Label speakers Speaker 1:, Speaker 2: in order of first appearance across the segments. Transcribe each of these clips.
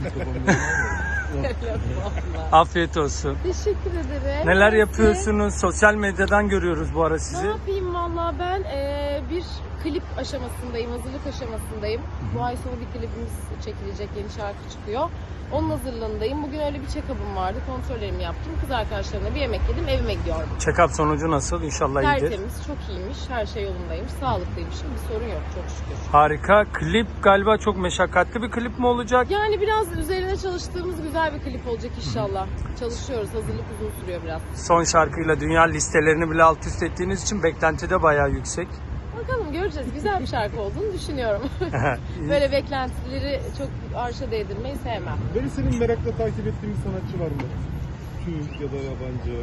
Speaker 1: Afiyet olsun.
Speaker 2: Teşekkür ederim.
Speaker 1: Neler yapıyorsunuz? Sosyal medyadan görüyoruz bu ara
Speaker 2: Ne
Speaker 1: sizi.
Speaker 2: yapayım valla ben bir klip aşamasındayım, hazırlık aşamasındayım. Bu ay sonu bir klibimiz çekilecek, yeni şarkı çıkıyor. Onun hazırlığındayım. Bugün öyle bir check-up'ım vardı, kontrollerimi yaptım. Kız arkadaşlarımla bir yemek yedim, evime gidiyorum.
Speaker 1: Check-up sonucu nasıl? İnşallah iyidir.
Speaker 2: Tertemiz, çok iyiymiş, her şey yolundaymış, sağlıklıymışım, bir sorun yok çok şükür.
Speaker 1: Harika. Klip galiba çok meşakkatli bir klip mi olacak?
Speaker 2: Yani biraz üzerine çalıştığımız güzel bir klip olacak inşallah. Çalışıyoruz, hazırlık uzun sürüyor biraz.
Speaker 1: Son şarkıyla dünya listelerini bile alt üst ettiğiniz için beklenti de bayağı yüksek.
Speaker 2: Bakalım göreceğiz. Güzel bir şarkı olduğunu düşünüyorum. Böyle beklentileri çok arşa değdirmeyi sevmem.
Speaker 3: Böyle senin merakla takip ettiğin bir sanatçı var mı? Türk ya da yabancı?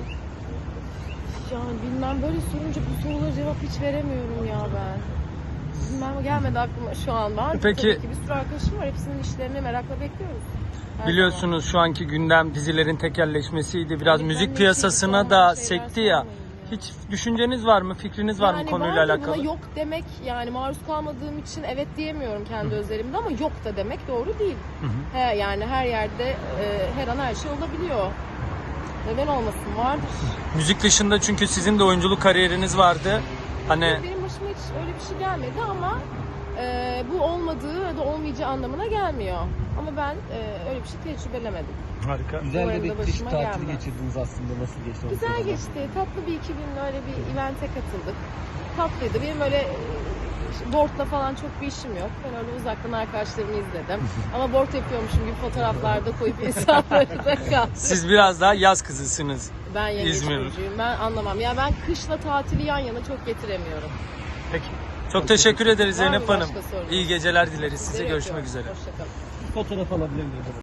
Speaker 2: Yani bilmem, böyle sorunca bu sorulara cevap hiç veremiyorum ya ben. Bilmem, gelmedi aklıma şu an. Var
Speaker 1: Peki.
Speaker 2: tabii ki bir sürü arkadaşım var. Hepsinin işlerini merakla bekliyoruz. Her
Speaker 1: Biliyorsunuz şu anki gündem dizilerin tekelleşmesiydi. Biraz
Speaker 2: Evet,
Speaker 1: müzik
Speaker 2: ben de
Speaker 1: piyasasına
Speaker 2: hiç
Speaker 1: da
Speaker 2: olmayan
Speaker 1: sekti
Speaker 2: şeyler
Speaker 1: ya.
Speaker 2: sormayın ya.
Speaker 1: Hiç düşünceniz var mı? Fikriniz var mı konuyla
Speaker 2: vardır,
Speaker 1: alakalı?
Speaker 2: buna yok demek, yani maruz kalmadığım için evet diyemiyorum kendi özelimde, ama yok da demek doğru değil. Yani her yerde her an her şey olabiliyor. Neden olmasın, vardır.
Speaker 1: Müzik dışında çünkü sizin de oyunculuk kariyeriniz vardı. Hani
Speaker 2: Benim başıma hiç öyle bir şey gelmedi ama bu olmadığı ya da olmayacağı anlamına gelmiyor. Ama ben öyle bir şey tecrübelememedim.
Speaker 1: harika.
Speaker 4: Güzel de
Speaker 2: Umarım da
Speaker 4: bir kış
Speaker 2: başıma
Speaker 4: tatili
Speaker 2: gelmez.
Speaker 4: geçirdiniz aslında. Nasıl geçti? onu
Speaker 2: Güzel
Speaker 4: soralım.
Speaker 2: geçti. Tatlı bir 2 gün öyle bir event'e katıldık. Tatlıydı. Benim öyle boardla falan çok bir işim yok. Ben öyle uzaktan arkadaşlarımı izledim. Ama board yapıyormuşum gibi fotoğraflarda koyup insanları da kaldım.
Speaker 1: Siz biraz daha yaz kızısınız.
Speaker 2: Ben yengeç
Speaker 1: İzmir.
Speaker 2: burcuyum. Ben anlamam. Ya ben kışla tatili yan yana çok getiremiyorum.
Speaker 1: Peki. Çok teşekkür ederiz
Speaker 2: Var mı
Speaker 1: Zeynep Hanım.
Speaker 2: başka sorunuz?
Speaker 1: İyi geceler dileriz size.
Speaker 2: Sizleri
Speaker 1: Görüşmek
Speaker 2: öpüyorum.
Speaker 1: üzere.
Speaker 2: Hoşça kalın.
Speaker 4: Fotoğraf alabilir miyim?